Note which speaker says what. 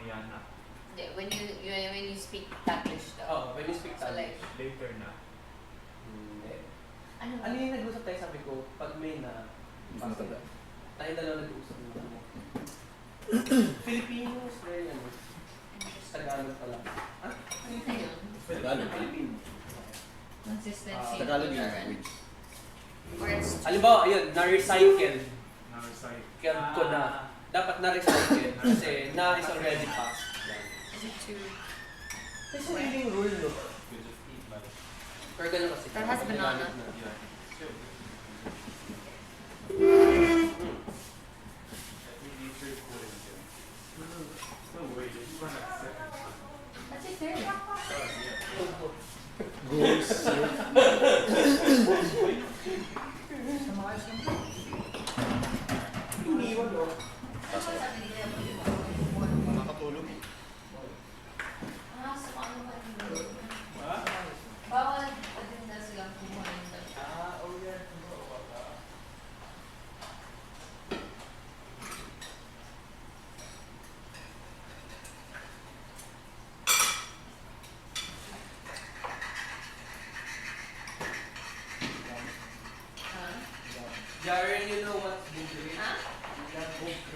Speaker 1: mamaya na.
Speaker 2: Hindi, when you speak Taglish daw.
Speaker 3: Oh, when you speak
Speaker 2: So like,
Speaker 3: Taglish.
Speaker 1: Later na.
Speaker 3: Hindi.
Speaker 2: ano?
Speaker 3: Ano yung nag-usap tayo, sabi ko, pag may na...
Speaker 4: Matanda.
Speaker 3: Tayo dalawa nag-usap mo. Filipinos, very ano. Tagalog pala. Ah?
Speaker 2: Ano yun?
Speaker 4: Tagalog.
Speaker 3: Filipino.
Speaker 2: Consistency.
Speaker 4: Tagalog yung
Speaker 2: Or-
Speaker 4: language.
Speaker 2: Or it's
Speaker 3: Halimbawa, ayun, na-recycle.
Speaker 1: Na-recite.
Speaker 3: Kaya ko na. Dapat na-recycle. Kasi na is already past.
Speaker 2: is it too...
Speaker 3: May sariling rule, no?
Speaker 1: You just eat like...
Speaker 3: Pero ganun kasi.
Speaker 2: That has banana.
Speaker 1: Yeah. Sure. No way, this one has second.
Speaker 2: That's it there.
Speaker 4: Goals.
Speaker 3: Iniwan, no?
Speaker 4: Nakakatulog.
Speaker 2: Ah, so ano ba yun?
Speaker 1: Ha?
Speaker 2: Bawal din na silang kumuha ng dalawa.
Speaker 3: Ah, oh yeah.
Speaker 2: Ha?
Speaker 3: Jaren, you know what's bugre?
Speaker 2: Ha?
Speaker 3: Yeah, bugre.